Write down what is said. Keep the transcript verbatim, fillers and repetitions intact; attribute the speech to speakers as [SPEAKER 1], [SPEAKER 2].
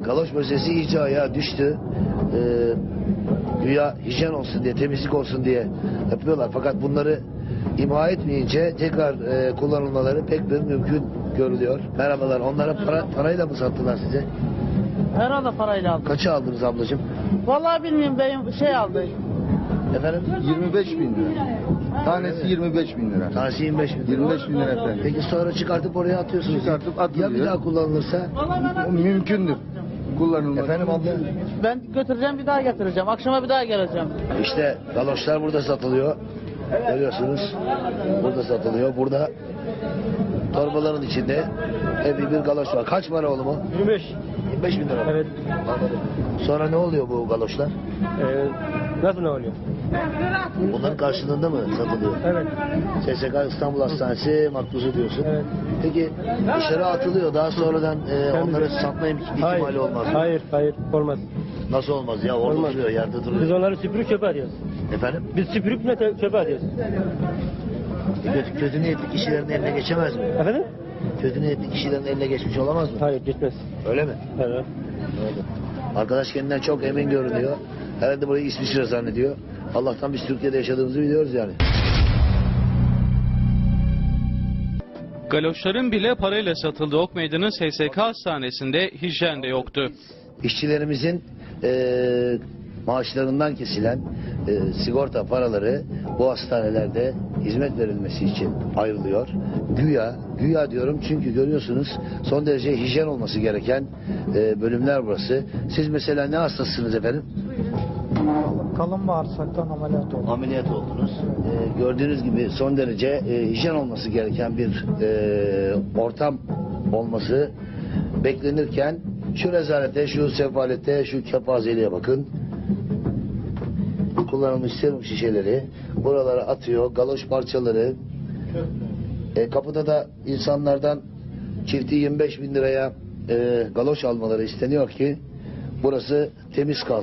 [SPEAKER 1] Galoş meselesi iyice ayağa düştü. Ee, güya hijyen olsun diye, temizlik olsun diye yapıyorlar. Fakat bunları imha etmeyince tekrar e, kullanılmaları pek bir mümkün görülüyor. Merhabalar. Onlara para, parayla mı sattılar size?
[SPEAKER 2] Herhalde parayla aldım.
[SPEAKER 1] Kaça aldınız ablacığım?
[SPEAKER 2] Vallahi bilmiyorum, beyim şey aldı.
[SPEAKER 1] Efendim?
[SPEAKER 3] yirmi beş bin lira. Tanesi yirmi beş bin lira.
[SPEAKER 1] Tanesi yirmi beş bin lira.
[SPEAKER 3] yirmi beş bin lira efendim.
[SPEAKER 1] Peki sonra çıkartıp oraya atıyorsunuz.
[SPEAKER 3] Çıkartıp atılıyor.
[SPEAKER 1] Ya bir daha kullanılırsa?
[SPEAKER 3] O mümkündür. Kullanılması.
[SPEAKER 1] Efendim abla?
[SPEAKER 2] Ben götüreceğim, bir daha getireceğim. Akşama bir daha geleceğim.
[SPEAKER 1] İşte galoşlar burada satılıyor. Görüyorsunuz. Burada satılıyor. Burada torbaların içinde epey bir galoş var. Kaç para oğlum o?
[SPEAKER 4] yirmi beş.
[SPEAKER 1] yirmi beş bin lira.
[SPEAKER 4] Evet.
[SPEAKER 1] Anladım. Sonra ne oluyor bu galoşlar?
[SPEAKER 4] Ee, nasıl ne oluyor?
[SPEAKER 1] Bunların karşılığında mı satılıyor?
[SPEAKER 4] Evet.
[SPEAKER 1] S S K İstanbul Hastanesi makbuzu diyorsun.
[SPEAKER 4] Evet.
[SPEAKER 1] Peki dışarı atılıyor. Daha sonradan e, onları satma im- ihtimali
[SPEAKER 4] Hayır.
[SPEAKER 1] olmaz mı?
[SPEAKER 4] Hayır, hayır. Olmaz.
[SPEAKER 1] Nasıl olmaz ya? Orada
[SPEAKER 4] Olmaz.
[SPEAKER 1] duruyor, yerde
[SPEAKER 4] Biz
[SPEAKER 1] duruyor.
[SPEAKER 4] onları süpürüp çöpe atıyoruz.
[SPEAKER 1] Efendim?
[SPEAKER 4] Biz süpürüp ne te- çöpe atıyoruz.
[SPEAKER 1] E, kötü, kötü niyetli kişilerin eline geçemez mi?
[SPEAKER 4] Efendim?
[SPEAKER 1] Kötü niyetli kişilerin eline geçmiş olamaz mı?
[SPEAKER 4] Hayır, gitmez.
[SPEAKER 1] Öyle mi?
[SPEAKER 4] Evet.
[SPEAKER 1] Öyle. Arkadaş kendinden çok emin görünüyor. Herhalde burayı İsviçre zannediyor. Allah'tan biz Türkiye'de yaşadığımızı biliyoruz yani.
[SPEAKER 5] Galoşların bile parayla satıldığı Ok Meydanı S S K Hastanesi'nde hijyen de yoktu.
[SPEAKER 1] İşçilerimizin eee, maaşlarından kesilen eee, sigorta paraları bu hastanelerde hizmet verilmesi için ayrılıyor. Güya, güya diyorum çünkü görüyorsunuz son derece hijyen olması gereken eee, bölümler burası. Siz mesela ne hastasınız efendim?
[SPEAKER 6] Kalın bağırsaktan ameliyat oldu.
[SPEAKER 1] Ameliyat oldunuz. Ee, gördüğünüz gibi son derece e, hijyen olması gereken bir e, ortam olması beklenirken şu rezalete, şu sefalete, şu kepazeliğe bakın. Kullanılmış serum şişeleri buralara atıyor, galoş parçaları. E, kapıda da insanlardan çifti yirmi beş bin liraya e, galoş almaları isteniyor ki burası temiz kalsın.